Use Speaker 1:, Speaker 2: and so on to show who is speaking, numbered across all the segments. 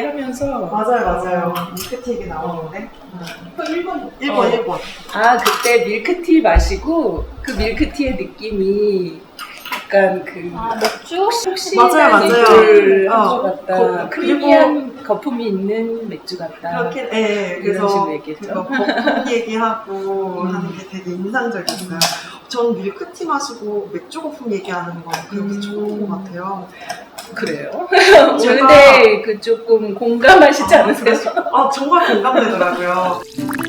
Speaker 1: 하면서
Speaker 2: 맞아요. 밀크티 얘기 나오는데. 1번.
Speaker 1: 아, 그때 밀크티 마시고 그 밀크티의 느낌이 약간 그
Speaker 3: 맥주?
Speaker 1: 혹시
Speaker 2: 맞아요.
Speaker 1: 맥주 같다.
Speaker 2: 그리고
Speaker 1: 크리미한 거품이 있는 맥주 같다.
Speaker 2: 그렇게, 네,
Speaker 1: 이런
Speaker 2: 그래서
Speaker 1: 식으로 얘기했죠.
Speaker 2: 그거 거품 얘기하고 하는 게 되게 인상적이었어요. 전 밀크티 마시고 맥주 거품 얘기하는 건 그렇게 좋은 것 같아요.
Speaker 1: 그래요?
Speaker 2: 제가-
Speaker 1: 근데 그 조금 공감하시지 않으세요?
Speaker 2: 정말 공감되더라고요.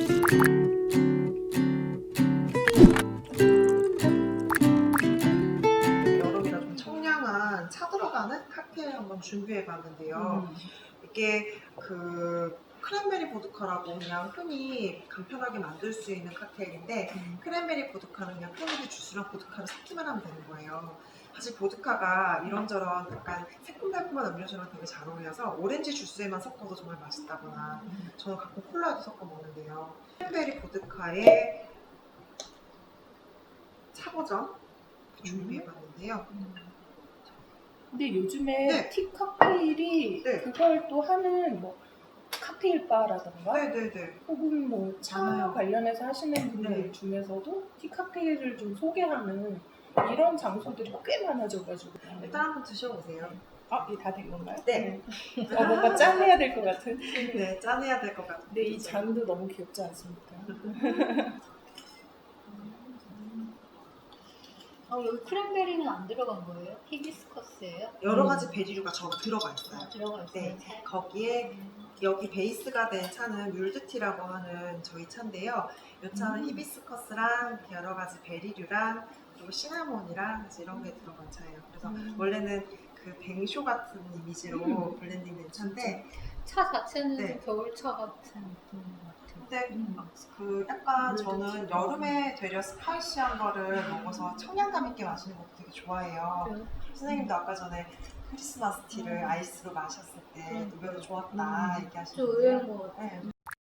Speaker 2: 여름이라 좀 청량한 차 들어가는 칵테일 한번 준비해봤는데요. 이게 그 크랜베리 보드카라고 그냥 흔히 간편하게 만들 수 있는 칵테일인데 크랜베리 보드카는 그냥 크랜베리 주스랑 보드카를 섞기만 하면 되는 거예요. 사실 보드카가 이런저런 약간 새콤달콤한 음료수랑 되게 잘 어울려서 오렌지 주스에만 섞어도 정말 맛있다거나 저는 가끔 콜라에도 섞어 먹는데요. 크랜베리 보드카의 차버전 준비해봤는데요.
Speaker 1: 근데 요즘에
Speaker 2: 네.
Speaker 1: 티 칵테일이
Speaker 2: 네.
Speaker 1: 그걸 또 하는 뭐 칵테일 바라던가
Speaker 2: 네네네.
Speaker 1: 혹은 뭐 차
Speaker 2: 많아요.
Speaker 1: 관련해서 하시는 분들
Speaker 2: 네.
Speaker 1: 중에서도 티 칵테일을 좀 소개하는 이런 장소들이 꽤 많아져가지고
Speaker 2: 일단 한번 드셔보세요.
Speaker 1: 이게 다 된 건가요?
Speaker 2: 네.
Speaker 1: 뭔가 짠해야 될 것 같은.
Speaker 2: 네, 짠해야 될 것 같아요.
Speaker 1: 근데 이 잔도 너무 귀엽지 않습니까?
Speaker 3: 여기 크랜베리는 안 들어간 거예요? 히비스커스예요?
Speaker 2: 여러 가지 베리류가 들어가 있어요.
Speaker 3: 들어가 있어요.
Speaker 2: 네, 거기에 여기 베이스가 된 차는 뮬드티라고 하는 저희 차인데요. 이 차는 히비스커스랑 여러 가지 베리류랑 그리고 시나몬이랑 이런 게 들어간 차예요. 그래서 원래는 그 뱅쇼 같은 이미지로 블렌딩된 차인데,
Speaker 3: 차 자체는
Speaker 2: 네.
Speaker 3: 겨울차 같은 느낌인 것 같아요.
Speaker 2: 근데 그 약간 저는 여름에 되려 스파이시한 거를 먹어서 청량감 있게 마시는 것도 되게 좋아해요.
Speaker 3: 그래요?
Speaker 2: 선생님도 아까 전에 크리스마스 티를 아이스로 마셨을 때 의외로 좋았다
Speaker 3: 좀
Speaker 2: 얘기하시는데요.
Speaker 3: 의외인 것 같아요.
Speaker 2: 네.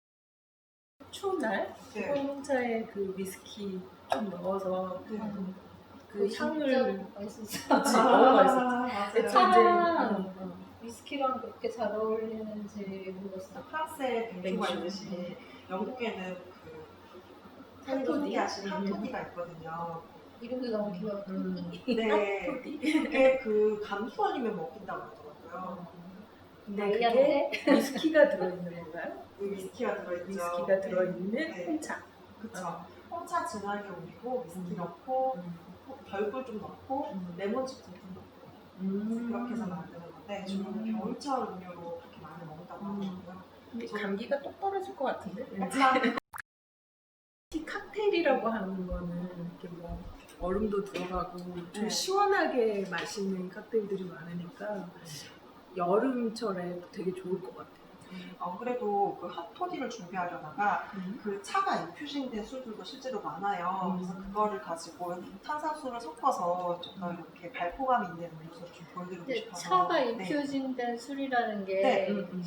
Speaker 1: 추운 날
Speaker 2: 네.
Speaker 1: 홍차에 그 위스키 좀 넣어서
Speaker 2: 네.
Speaker 1: 그 향을
Speaker 3: 맛있었어요.
Speaker 1: 그치, 너무 맛있었지.
Speaker 2: 맞아요.
Speaker 1: 그래서
Speaker 3: 차랑 위스키랑 그렇게 잘 어울리는지 모르겠어요.
Speaker 2: 프랑스에 뱅쇼가 있듯이 영국에는 그 탕토디 하시는 탕토디가 있거든요.
Speaker 3: 이름도 너무 귀여워.
Speaker 2: 네. 그게 그 감기걸리면 먹힌다고 하더라고요.
Speaker 1: 근데
Speaker 3: 아이한테?
Speaker 1: 그게 위스키가 들어있는 건가요?
Speaker 2: 그 위스키가 들어있죠.
Speaker 1: 위스키가 들어있는
Speaker 2: 네.
Speaker 1: 홍차.
Speaker 2: 그쵸. 홍차 진하게 우리고 위스키 넣고 별꿀 좀 넣고 레몬즙 좀 넣고 그렇게 해서 만드는 건데 주로 겨울철 음료로 그렇게 많이 먹는다고 하더라고요.
Speaker 1: 근데 감기가 똑 떨어질 것 같은데?
Speaker 2: 약간
Speaker 1: 티 칵테일이라고 하는 거는 이렇게 뭐 얼음도 들어가고 좀
Speaker 2: 네.
Speaker 1: 시원하게 마시는 칵테일들이 많으니까 여름철에 되게 좋을 것 같아요.
Speaker 2: 그래도 그 핫토디를 준비하려다가 그 차가 인퓨징된 술들도 실제로 많아요. 그래서 그거를 가지고 탄산수를 섞어서 좀 더 이렇게 발포감 있는 음료수를 좀 보여드리고
Speaker 3: 근데
Speaker 2: 싶어서.
Speaker 3: 차가
Speaker 2: 네.
Speaker 3: 인퓨징된 술이라는 게
Speaker 2: 네.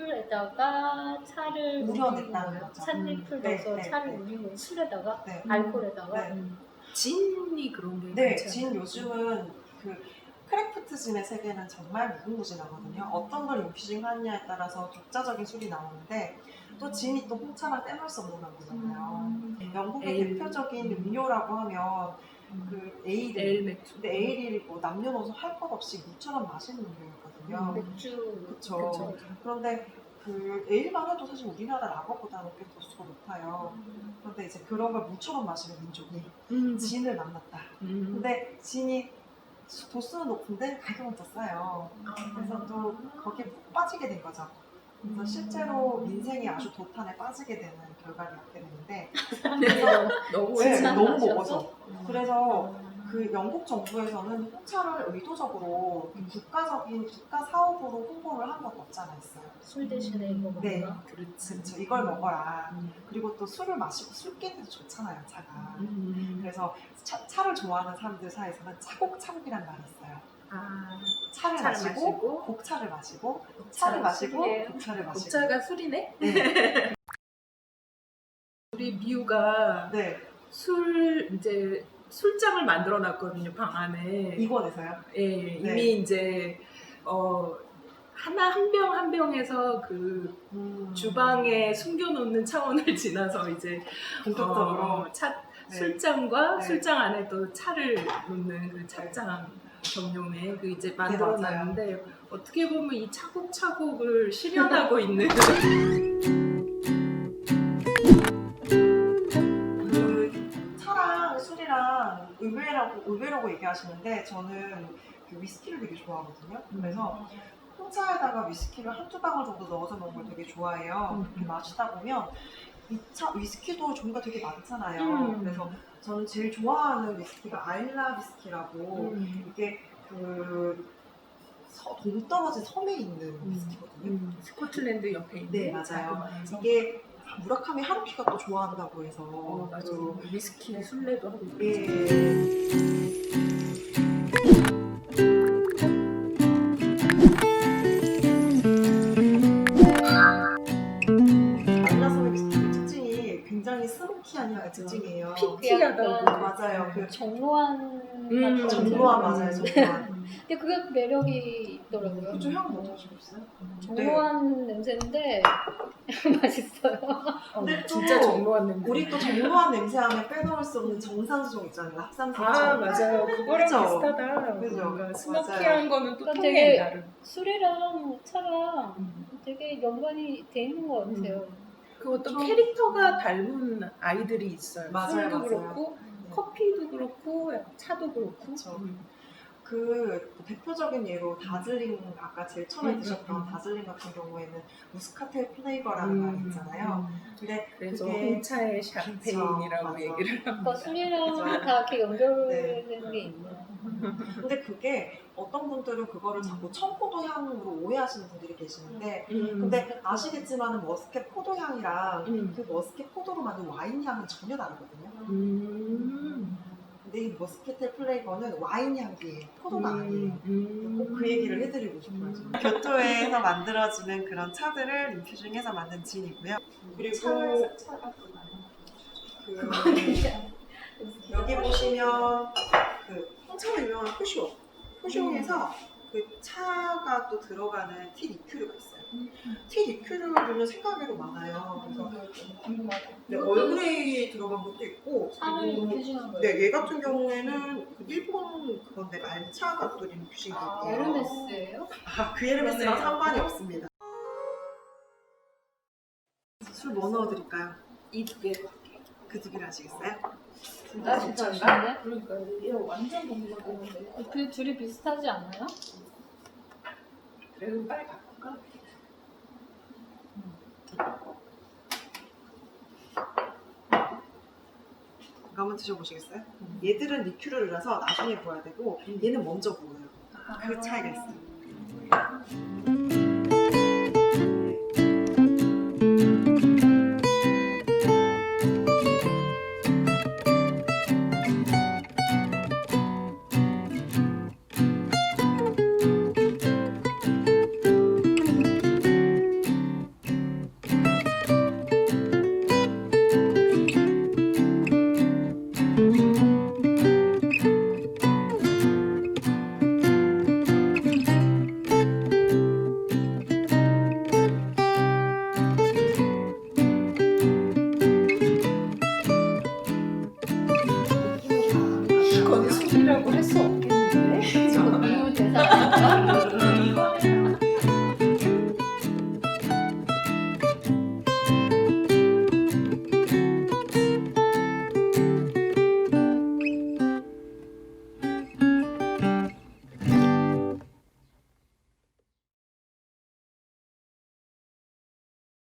Speaker 3: 술에다가 차를
Speaker 2: 우려냈다는
Speaker 3: 우린 거예요?
Speaker 2: 거죠.
Speaker 3: 찻잎을
Speaker 2: 네,
Speaker 3: 넣어서
Speaker 2: 네,
Speaker 3: 차를
Speaker 2: 네.
Speaker 3: 우린 거예요? 술에다가?
Speaker 2: 네.
Speaker 3: 알코올에다가?
Speaker 2: 네.
Speaker 1: 진이 그런 게
Speaker 2: 네,
Speaker 1: 괜찮아요.
Speaker 2: 진 요즘은 그 크래프트 진의 세계는 정말 무궁무진하거든요. 어떤 걸 인퓨징 하느냐에 따라서 독자적인 술이 나오는데 또 진이 또 홍차랑 떼놓을 수 없는 거잖아요. 영국의
Speaker 1: 에일.
Speaker 2: 대표적인 음료라고 하면 그 에일.
Speaker 1: 에일 맥주.
Speaker 2: 근데 에일이 뭐 남녀노소 할 것 없이 물처럼 마시는 음료거든요.
Speaker 3: 맥주.
Speaker 2: 그쵸. 그런데 그 에일만 해도 사실 우리나라 라거보다는 꽤 도수가 높아요. 그런데 이제 그런 걸 물처럼 마시는 민족이 진을 만났다. 근데 진이 도수는 높은데 가격은 더 싸요. 그래서 또 거기에 푹 빠지게 된 거죠. 그래서 실제로 민생이 아주 도탄에 빠지게 되는 결과를 낳게 되는데 그래서
Speaker 1: 너무
Speaker 2: 네,
Speaker 3: 진짜
Speaker 2: 너무
Speaker 3: 맛이어서?
Speaker 2: 먹어서 그래서 그 영국 정부에서는 홍차를 의도적으로 국가 사업으로 홍보를 한 것도 없지 않아 있어요.
Speaker 3: 술 대신에 이거 먹나?
Speaker 2: 네.
Speaker 1: 그렇지.
Speaker 2: 그렇죠. 이걸 먹어라. 그리고 또 술을 마시고 술 깨도 좋잖아요, 차가. 그래서 차를 좋아하는 사람들 사이에서는 차곡차곡이란 말이 있어요. 차를 마시고 곡차를 마시고 차를 마시고
Speaker 3: 술이에요.
Speaker 2: 곡차를 마시고.
Speaker 1: 곡차가 술이네?
Speaker 2: 네.
Speaker 1: 우리 미우가
Speaker 2: 네.
Speaker 1: 이제 술장을 만들어 놨거든요, 방 안에.
Speaker 2: 이권에서요?
Speaker 1: 예,
Speaker 2: 네.
Speaker 1: 이미 이제 하나 한 병 한 병에서 그 주방에 숨겨놓는 차원을 지나서 이제
Speaker 2: 본격적으로 네.
Speaker 1: 술장과
Speaker 2: 네.
Speaker 1: 술장 안에 또 차를 놓는 그 차장 전용의 그 이제 만들어놨는데 어떻게 보면 이 차곡차곡을 실현하고 있는
Speaker 2: 그 차랑 술이랑 의외라고 얘기하시는데 저는 그 위스키를 되게 좋아하거든요. 그래서 홍차에다가 위스키를 한두 방울 정도 넣어서 먹는 걸 되게 좋아해요. 그렇게 마시다 보면 위스키도 종류가 되게 많잖아요. 그래서 저는 제일 좋아하는 위스키가 아일라 위스키라고 이게 그 동떨어진 섬에 있는 위스키거든요.
Speaker 1: 스코틀랜드 옆에 있는
Speaker 2: 네, 맞아요.
Speaker 1: 자그마한
Speaker 2: 이게 무라카미 하루키가 또 좋아한다고 해서
Speaker 1: 맞아.
Speaker 2: 그
Speaker 1: 위스키 술래도 하고 있지.
Speaker 2: 예. 아일라섬의 위스키의 특징이 굉장히 스모키한 향의 특징이에요.
Speaker 1: 피티하다고.
Speaker 2: 맞아요. 그
Speaker 3: 정로한
Speaker 2: 정로한 맞아요, 정로한.
Speaker 3: 근데 그게 매력이 있더라고요.
Speaker 2: 그쪽 향 맡아보시겠어요?
Speaker 3: 정로한 냄새인데 맛있어요.
Speaker 2: 근데 또
Speaker 1: 진짜 정로한 냄새.
Speaker 2: 우리 또 정로한 냄새 하면 빼놓을 수 없는 정산수종 있잖아요. 합산수종.
Speaker 1: 맞아요. 그거랑
Speaker 2: 그죠?
Speaker 1: 비슷하다.
Speaker 2: 그죠?
Speaker 1: 뭔가 스모키한
Speaker 2: 맞아요.
Speaker 1: 거는 또
Speaker 3: 그러니까
Speaker 1: 통해
Speaker 3: 되게
Speaker 1: 나름.
Speaker 3: 술이랑 차랑 되게 연관이 돼 있는 것 같아요.
Speaker 1: 그것도
Speaker 2: 좀-
Speaker 1: 캐릭터가 닮은 아이들이 있어요.
Speaker 2: 맞아요,
Speaker 1: 술도
Speaker 2: 맞아요.
Speaker 1: 그렇고
Speaker 2: 네.
Speaker 1: 커피도 그렇고 차도 그렇고.
Speaker 2: 그쵸. 그 대표적인 예로 다즐링 아까 제일 처음에 드셨던 다즐링 같은 경우에는 무스카텔 플레이버라는 말이 있잖아요. 근데
Speaker 1: 그래서
Speaker 2: 그게
Speaker 1: 홍차의 샴페인이라고
Speaker 2: 맞아.
Speaker 1: 얘기를 합니다.
Speaker 3: 그러니까 술이랑
Speaker 2: 그죠.
Speaker 3: 다 이렇게 연결되는 게 있네요.
Speaker 2: 근데 그게 어떤 분들은 그거를 자꾸 청포도 향으로 오해하시는 분들이 계시는데 근데 아시겠지만 머스켓 포도향이랑 그 머스켓 포도로 만든 와인 향은 전혀 다르거든요. 근데 이 머스켓텔 플레이버는 와인 향이에요. 포도가 아니에요. 꼭 그 얘기를 해드리고 싶어요. 교토에서 만들어지는 그런 차들을 인퓨징해서 만든 진이고요. 그리고 여기 보시면 그 홍차로 유명한 푸쇼에서 그 차가 또 들어가는 티 리큐르가 있어요. 티 리큐르는 생각외로 많아요. 그래서 네, 얼그레이 들어간 것도 있고
Speaker 3: 차를
Speaker 2: 그리고
Speaker 3: 인퓨징한 거예요.
Speaker 2: 네, 얘 같은 경우에는 그 일본 그건데 말차가 또 인퓨징이
Speaker 3: 아,
Speaker 2: 있대요.
Speaker 3: 에르메스예요?
Speaker 2: 그 에르메스랑
Speaker 1: 그러네요.
Speaker 2: 상관이 없습니다. 술 뭐 넣어드릴까요?
Speaker 1: 이 두 개.
Speaker 2: 그 두 개를 아시겠어요?
Speaker 3: 아, 진짜 아쉬운데?
Speaker 1: 그러니까 얘 완전 동물인데.
Speaker 3: 그 둘이 비슷하지 않나요?
Speaker 1: 그래 그럼 빨리 바꿀까?
Speaker 2: 이거 한번 드셔보시겠어요? 얘들은 리큐르라서 나중에 부어야 되고 얘는 먼저 부어요. 그 차이가 있어요.
Speaker 1: 이건 술이라고 할 수 없겠다.